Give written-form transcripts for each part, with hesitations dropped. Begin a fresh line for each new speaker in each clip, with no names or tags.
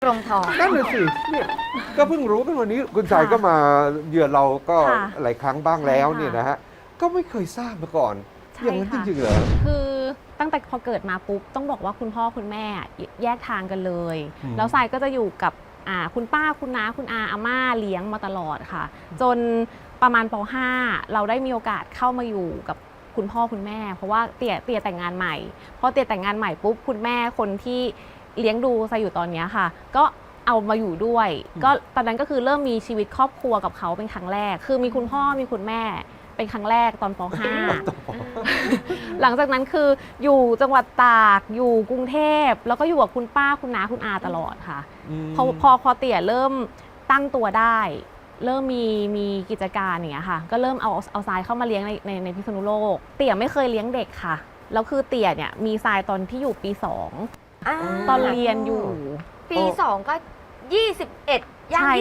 กรงทอง
นั่นเลยสิเนี่ยก็เพิ่งรู้กันวันนี้คุณสายก็มาเยือนเราก็หลายครั้งบ้างแล้วเนี่ยนะฮะก็ไม่เคยทราบมาก่อนอย่างนั้นจริงๆเหรอ
คือตั้งแต่พอเกิดมาปุ๊บต้องบอกว่าคุณพ่อคุณแม่แยกทางกันเลยแล้วทรายก็จะอยู่กับคุณป้าคุณน้าคุณอาม่าเลี้ยงมาตลอดค่ะจนประมาณป .5 เราได้มีโอกาสเข้ามาอยู่กับคุณพ่อคุณแม่เพราะว่าเตี่ยแต่งงานใหม่พอเตี่ยแต่งงานใหม่ปุ๊บคุณแม่คนที่เลี้ยงดูทรายอยู่ตอนนี้ค่ะก็เอามาอยู่ด้วยก็ตอนนั้นก็คือเริ่มมีชีวิตครอบครัวกับเขาเป็นครั้งแรกคือมีคุณพ่อมีคุณแม่เป็นครั้งแรกตอนป .5 หลังจากนั้นคืออยู่จังหวัดตากอยู่กรุงเทพแล้วก็อยู่กับคุณป้าคุณน้าคุณอาตลอดค่ะพอเตี่ยเริ่มตั้งตัวได้เริ่มมีกิจการอย่างเงี้ยค่ะก็เริ่มเอาทรายเข้ามาเลี้ยงในพิษณุโลกเตี่ยไม่เคยเลี้ยงเด็กค่ะแล้วคือเตี่ยเนี่ยมีทรายตอนที่อยู่ปี2ตอนเรียนอยู่
ปี2ก็21ย่าง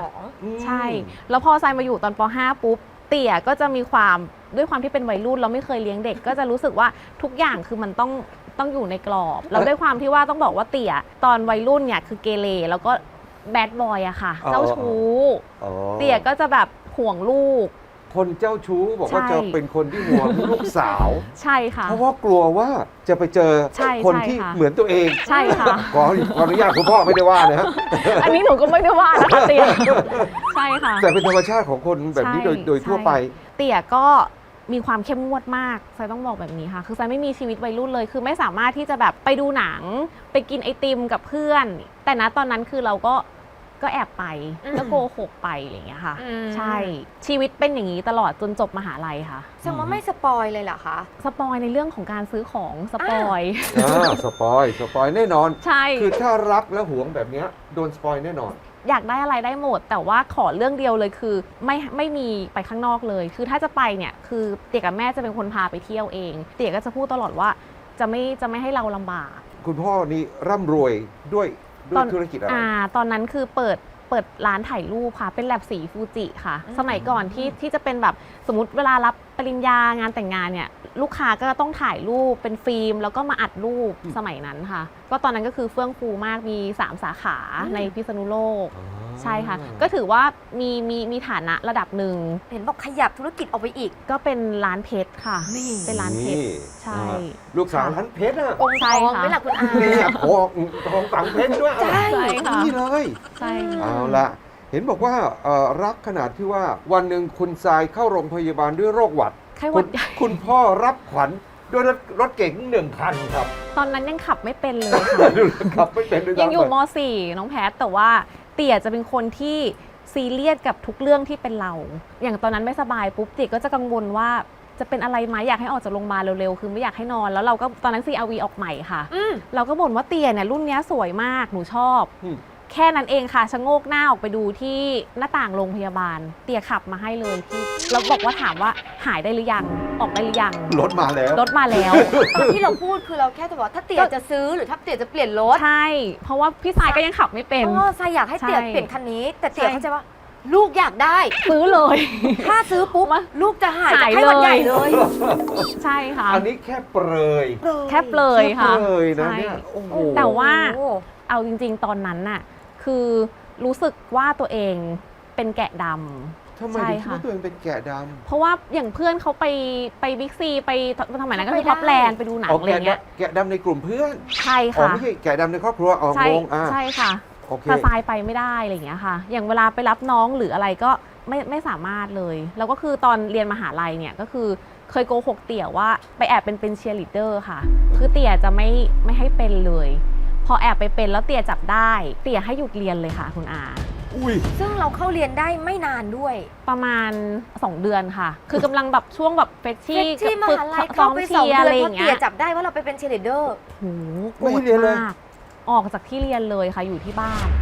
22
ใช่แล้วพอทรายมาอยู่ตอนป .5 ปุ๊บเตี่ยก็จะมีความด้วยความที่เป็นวัยรุ่นเราไม่เคยเลี้ยงเด็กก็จะรู้สึกว่าทุกอย่างคือมันต้องอยู่ในกรอบแล้วด้วยความที่ว่าต้องบอกว่าเตี่ยตอนวัยรุ่นเนี่ยคือเกเรแล้วก็แบดบอยอะค่ะเจ้าชู้เตี่ยก็จะแบบห่วงลูก
คนเจ้าชู้บอกว่าจะเป็นคนที่ห่วงลูกสาว
ใช่ค่ะ
เพราะว่ากลัวว่าจะไปเจอคนที่เหมือนตัวเอง
ใช่ค่ะ
ขออนุญาตคุณพ่อไม่ได้ว่านะฮะ
อันนี้หนูก็ไม่ได้ว่านะคะเตี่ยใช่ค่ะ
แต่เป็นธรรมชาติของคนแบบนี้โดยทั่วไป
เตี่ยก็มีความเข้มงวดมากทรายต้องบอกแบบนี้ค่ะคือทรายไม่มีชีวิตวัยรุ่นเลยคือไม่สามารถที่จะแบบไปดูหนังไปกินไอติมกับเพื่อนแต่ณตอนนั้นคือเราก็แอบไปก็โกหกไปอะไรอย่างเงี้ยค่ะใช่ชีวิตเป็นอย่างนี้ตลอดจนจบมหาลัยค่ะ
แสดงว่าไม่สปอยเลยเหรอคะ
สปอยในเรื่องของการซื้อของสปอย
สปอยแน่นอน
ใช่
คือถ้ารักและหวงแบบนี้โดนสปอยแน่นอน
อยากได้อะไรได้หมดแต่ว่าขอเรื่องเดียวเลยคือไม่มีไปข้างนอกเลยคือถ้าจะไปเนี่ยคือเตี่ยกับแม่จะเป็นคนพาไปเที่ยวเองเตี่ยก็จะพูดตลอดว่าจะไม่ให้เราลำบาก
คุณพ่อนี่ร่ำรวยด้วยธุรกิจอะไร
ตอนนั้นคือเปิดร้านถ่ายรูปค่ะเป็นแลบสีฟูจิค่ะสมัยก่อนที่จะเป็นแบบสมมติเวลารับปริญญางานแต่งงานเนี่ยลูกค้าก็ต้องถ่ายรูปเป็นฟิล์มแล้วก็มาอัดรูปสมัยนั้นค่ะก็ตอนนั้นก็คือเฟื่องฟูมากมี3 สาขาในพิษณุโลกใช่ค่ะก็ถือว่ามีฐานะระดับหนึ่ง
เห็นบอกขยับธุรกิจออกไปอีก
ก็เป็นร้านเพชรค่ะเป็นร้านเพชรใช่
ลูกสาวร้านเพชรอะ
องค์ทองไม่หลักคุณอา
ของฝังเพชรด้วย
ใช่
นี่เลย
ใช่
เอาละเห็นบอกว่ารักขนาดที่ว่าวันหนึ่งคุณทรายเข้าโรงพยาบาลด้วยโรคหวัดคุณพ่อรับขวัญด้วยรถเก๋ง1 คันครับ
ตอนนั้นยังขับไม่เป็นเลยค่ะ
ขับไม่เป็น
ยังอยู่ม.4 น้องแพทแต่ว่าเตี่ยจะเป็นคนที่ซีเรียสกับทุกเรื่องที่เป็นเราอย่างตอนนั้นไม่สบายปุ๊บเตี่ยก็จะกังวลว่าจะเป็นอะไรไหมอยากให้ออกจากโรงพยาบาลเร็วๆคือไม่อยากให้นอนแล้วเราก็ตอนนั้น CRV ออกใหม่ค่ะเราก็บ่นว่าเตี่ยเนี่ยรุ่นนี้สวยมากหนูชอบแค่นั้นเองค่ะชะโงกหน้าออกไปดูที่หน้าต่างโรงพยาบาลเตี่ยขับมาให้เลยที่เราบอกว่าถามว่าหายได้หรือยังออกได้หรือยัง
รถมาแล้ว
ตอนที่เราพูดคือเราแค่จะบอกถ้าเตี่ยจะซื้อหรือถ้าเตี่ยจะเปลี่ยนรถ
ใช่เพราะว่าพี่ทรายก็ยังขับไม่เป็น
ทรายอยากให้เตี่ยเปลี่ยนคันนี้แต่เตี่ยเข้าใจว่าลูกอยากได้
ซื้อเลย
ถ้าซื้อปุ๊บลูกจะหายจากไข้หวัดใหญ่เลย
ใช่ค่ะ
อันนี้แค่เปรย
ค่ะ
นะเนี่ย
แต่ว่าเอาจริงๆตอนนั้นน่ะคือรู้สึกว่าตัวเองเป็นแกะดำ
ทำไมถึงคิดว่าตัวเองเป็นแกะดำ
เพราะว่าอย่างเพื่อนเขาไปบิ๊กซีไปสมัยนั้นก็คือท็อปแลนด์ไปดูหนังอะไรเงี้ย
แกะดำในกลุ่มเพื่อน
ใช่ค่ะ
ไม่ใช่แกะดำในครอบครัว
ใช่ค่ะแต่ทรายไปไม่ได้อะไรอย่างเงี้ยค่ะอย่างเวลาไปรับน้องหรืออะไรก็ไม่สามารถเลยแล้วก็คือตอนเรียนมหาลัยเนี่ยก็คือเคยโกหกเตี่ยว่าไปแอบเป็นเชียร์ลีดเดอร์ค่ะคือเตี่ยจะไม่ให้เป็นเลยพอแอบไปเป็นแล้วเตี่ยจับได้เตี่ยให้หยุดเรียนเลยค่ะคุณอา
ซึ่งเราเข้าเรียนได้ไม่นานด้วย
ประมาณ2 เดือนค่ะคือกำลังแบบช่วงแบบเฟชชี่
มหาลัยเข้าไป2 เดือนเพราะเตี่ยจับได้ว่าเราไปเป็นเชียร์ลีดเดอร์
โหโกรธมากออกจากที่เรียนเลยค่ะอยู่ที่บ้าน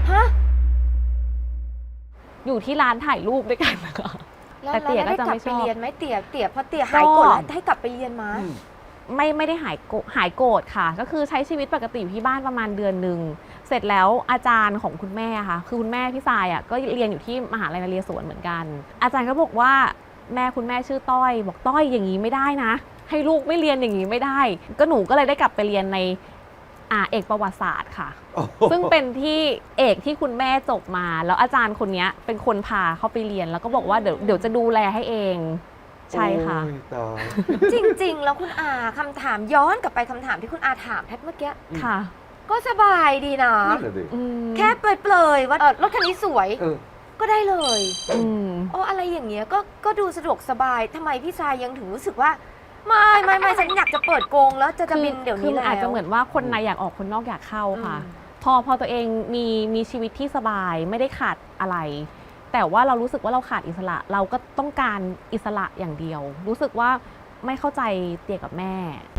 อยู่ที่ร้านถ่ายรูปด้วยกันนะคะ
แต่เตี่ยก็จะไม่ชอบเรียนไหมเตี่ยพอเตี่ยหายโกรธให้กลับไปเรียนมา
ไม่ได้หายโกรธค่ะก็คือใช้ชีวิตปกติอยู่ที่บ้านประมาณเดือนหนึ่งเสร็จแล้วอาจารย์ของคุณแม่ค่ะคือคุณแม่พี่ทรายอ่ะก็เรียนอยู่ที่มหาลัยนเรศวรเหมือนกันอาจารย์ก็บอกว่าคุณแม่ชื่อต้อยบอกต้อยอย่างนี้ไม่ได้นะให้ลูกไม่เรียนอย่างนี้ไม่ได้ก็หนูก็เลยได้กลับไปเรียนในเอกประวัติศาสตร์ค่ะ
โอ้โห
ซึ่งเป็นที่เอกที่คุณแม่จบมา แล้วอาจารย์คนนี้เป็นคนพาเข้าไปเรียน แล้วก็บอกว่าเดี๋ยวจะดูแลให้เอง ใช่ค่ะ
โอ้ยตาย
จริง ๆ แล้วคุณอาคำถามย้อนกลับไปคำถามที่คุณอาถามแพทย์เมื่อกี้
ค่ะ
ก็สบายดีนะ
นั่นแหละดิ
อืม
แค่เปลยๆว่ารถคันนี้สวย
เออ
ก็ได้เลย
อืม
โอ้อะไรอย่างเงี้ยก็ดูสะดวกสบายทำไมพี่ชายยังถึงรู้สึกว่า ไม่ฉันอยากจะเปิดโกงแล้วจะบินเดี๋ยว
คื
นี้
อมัน
แล้ว
อาจจะเหมือนว่าคนในอยากออกคนนอกอยากเข้าค่ะ
อืม
พอตัวเองมีชีวิตที่สบายไม่ได้ขาดอะไร แต่ว่าเรารู้สึกว่าเราขาดอิสระ เราก็ต้องการอิสระอย่างเดียว รู้สึกว่าไม่เข้าใจเตี่ยกับแม่